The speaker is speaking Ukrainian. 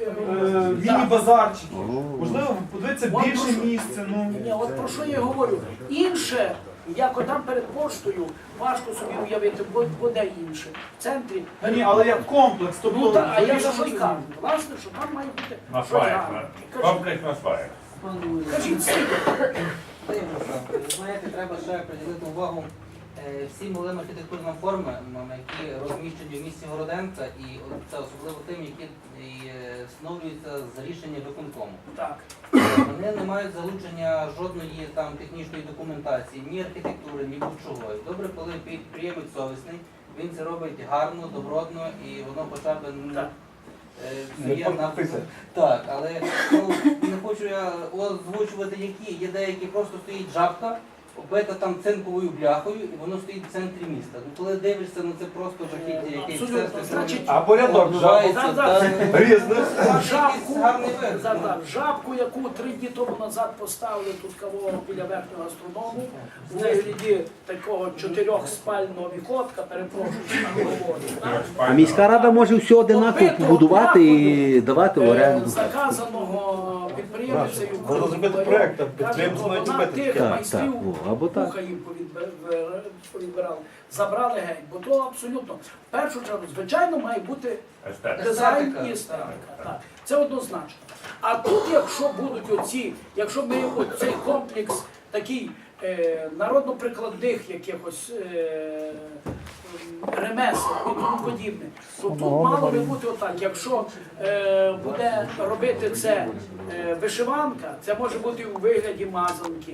міні-базарчики. Можливо, подивитися більше місце. Ні, от про що я говорю. Інше, як там перед поштою, важко собі уявити, бо де інше. В центрі. Ні, але як комплекс, Ну так, а я за вирішено- що й кажу. Власне, що там має бути. На щось сваях, гарне. комплекс на сваях. Кажіть, скільки? Знаєте, треба ще приділити увагу всім малим архітектурним формам, які розміщені в місті Городенка, і це особливо тим, які встановлюються з рішення виконкому. Так. Вони не мають залучення жодної там технічної документації, ні архітектури, ні будь-чого. Добре, коли підприємець совісний, він це робить гарно, добротно, і воно хоча б так, але не хочу я озвучувати які. Є деякі, просто стоїть жабка, оббита там цинковою бляхою, і воно стоїть в центрі міста. Ну, коли дивишся, ну це просто жахіття, якесь Абсолютно. Значить, Або рядок різних. Жабку, яку 3 дні тому назад поставили тут кого біля верхнього гастроному, у вигляді такого 4-спального вікотка, перепрошую, на говорю. А міська рада може все одинаково побудувати і давати в оренду. Заказаного підприємцею. Можна зробити проєкт, а підприємці мають Вона робити. тих Так, майстрів, так, або так. вуха їм повідбирали, забрали геть. Бо то абсолютно, в першу чергу, звичайно, має бути дизайн і естетика. Так, це однозначно. А тут, якщо будуть якщо ми цей комплекс такий народно-прикладних якихось ремесел і тому подібне, то тут мало би бути отак. Якщо буде робити це вишиванка, це може бути у вигляді мазанки.